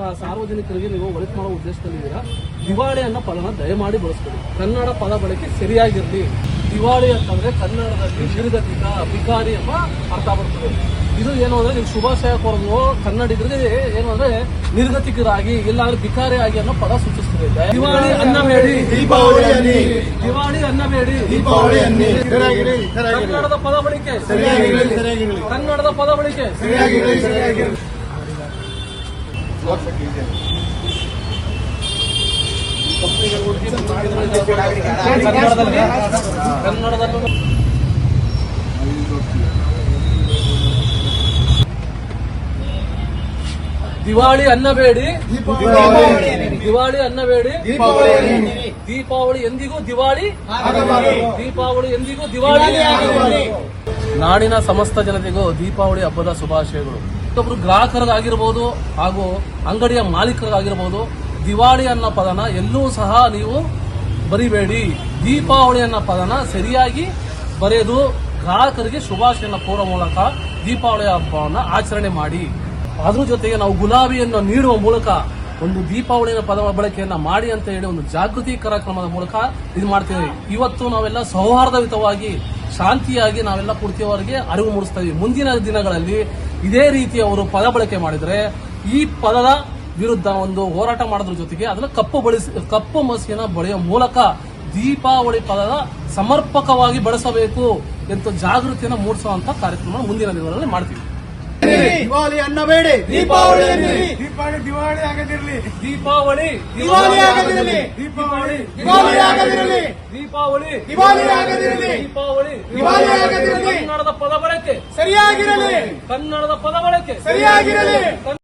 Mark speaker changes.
Speaker 1: ಸಾರ್ವಜನಿಕರಿಗೆ ನೀವು ಒಳಿತು ಮಾಡೋ ಉದ್ದೇಶದಲ್ಲಿದ್ದೀರಾ. ದಿವಾಳಿ ಅನ್ನೋ ಪದನ ದಯಮಾಡಿ ಬಳಸ್ಕೊಳ್ಳಿ. ಕನ್ನಡ ಪದ ಬಳಕೆ ಸರಿಯಾಗಿರಲಿ. ದಿವಾಳಿ ಅಂತಂದ್ರೆ ಕನ್ನಡದಲ್ಲಿ ನಿರ್ಗತಿಕ ಅಧಿಕಾರಿ ಎಂಬ ಅರ್ಥ ಬರ್ತದೆ. ಇದು ಏನು ಅಂದ್ರೆ ನೀವು ಶುಭಾಶಯ ಕೋರೋದು ಕನ್ನಡಿಗರಿಗೆ ಏನು ಅಂದ್ರೆ ನಿರ್ಗತಿಕರಾಗಿ ಇಲ್ಲಾಂದ್ರೆ ಭಿಕಾರಿ ಆಗಿ ಅನ್ನೋ ಪದ ಸೂಚಿಸ್ತದೆ. ದಿವಾಳಿ ಅನ್ನಬೇಡಿ, ದಿವಾಳಿ ಅನ್ನಬೇಡಿ, ಕನ್ನಡದ ಪದ ಬಳಕೆ ಕನ್ನಡದ ಪದ ಬಳಕೆ ಕನ್ನಡದಲ್ಲೂ ದಿವಾಳಿ ಅನ್ನಬೇಡಿ, ದಿವಾಳಿ ಅನ್ನಬೇಡಿ, ದೀಪಾವಳಿ ಎಂದಿಗೂ ದಿವಾಳಿ, ದೀಪಾವಳಿ ಎಂದಿಗೂ ದಿವಾಳಿ. ನಾಡಿನ ಸಮಸ್ತ ಜನತೆಗೂ ದೀಪಾವಳಿ ಹಬ್ಬದ ಶುಭಾಶಯಗಳು. ಮತ್ತೊಬ್ರು ಗ್ರಾಹಕರಿಗಾಗಿರ್ಬೋದು ಹಾಗೂ ಅಂಗಡಿಯ ಮಾಲೀಕರಿಗಾಗಿರ್ಬೋದು ದಿವಾಳಿ ಅನ್ನೋ ಪದನ ಎಲ್ಲೂ ಸಹ ನೀವು ಬರಿಬೇಡಿ. ದೀಪಾವಳಿ ಅನ್ನೋ ಪದನ ಸರಿಯಾಗಿ ಬರೆದು ಗ್ರಾಹಕರಿಗೆ ಶುಭಾಶಯನ ಕೋರೋ ಮೂಲಕ ದೀಪಾವಳಿ ಹಬ್ಬವನ್ನು ಆಚರಣೆ ಮಾಡಿ. ಅದ್ರ ಜೊತೆಗೆ ನಾವು ಗುಲಾಬಿಯನ್ನು ನೀಡುವ ಮೂಲಕ ಒಂದು ದೀಪಾವಳಿಯ ಪದ ಬಳಕೆಯನ್ನ ಮಾಡಿ ಅಂತ ಹೇಳಿ ಒಂದು ಜಾಗೃತಿ ಕಾರ್ಯಕ್ರಮದ ಮೂಲಕ ಇದು ಮಾಡ್ತೀವಿ. ಇವತ್ತು ನಾವೆಲ್ಲ ಸೌಹಾರ್ದಯುತವಾಗಿ ಶಾಂತಿಯಾಗಿ ನಾವೆಲ್ಲ ಪೂರ್ತಿಯವರಿಗೆ ಅರಿವು ಮೂಡಿಸ್ತಾ ಇದೀವಿ. ಮುಂದಿನ ದಿನಗಳಲ್ಲಿ ಇದೇ ರೀತಿ ಅವರು ಪದ ಬಳಕೆ ಮಾಡಿದ್ರೆ ಈ ಪದದ ವಿರುದ್ಧ ಒಂದು ಹೋರಾಟ ಮಾಡೋದ್ರ ಜೊತೆಗೆ ಅದನ್ನ ಕಪ್ಪು ಮಸಿಯನ್ನ ಬಳಿಯುವ ಮೂಲಕ ದೀಪಾವಳಿ ಪದದ ಸಮರ್ಪಕವಾಗಿ ಬಳಸಬೇಕು ಎಂದು ಜಾಗೃತಿಯನ್ನು ಮೂಡಿಸುವಂತ ಕಾರ್ಯಕ್ರಮ ಮುಂದಿನ ದಿನಗಳಲ್ಲಿ ಮಾಡ್ತೀವಿ.
Speaker 2: ದಿವಾಳಿ ಅನ್ನಬೇಡಿ, ದೀಪಾವಳಿ
Speaker 3: ದೀಪಾವಳಿ ದಿವಾಳಿ ಆಗದಿರಲಿ,
Speaker 2: ದೀಪಾವಳಿ ದಿವಾಳಿ ಆಗದಿರಲಿ,
Speaker 3: ದೀಪಾವಳಿ
Speaker 2: ದಿವಾಳಿ ಆಗದಿರಲಿ,
Speaker 1: ದೀಪಾವಳಿ
Speaker 2: ದಿವಾಳಿ ಆಗದಿರಲಿ,
Speaker 1: ದೀಪಾವಳಿ
Speaker 2: ದಿವಾಳಿ ಆಗದಿರಲಿ.
Speaker 1: ಕನ್ನಡದ ಪದ ಬಳಕೆ
Speaker 2: ಸರಿಯಾಗಿರಲಿ,
Speaker 1: ಕನ್ನಡದ ಪದ ಬಳಕೆ
Speaker 2: ಸರಿಯಾಗಿರಲಿ.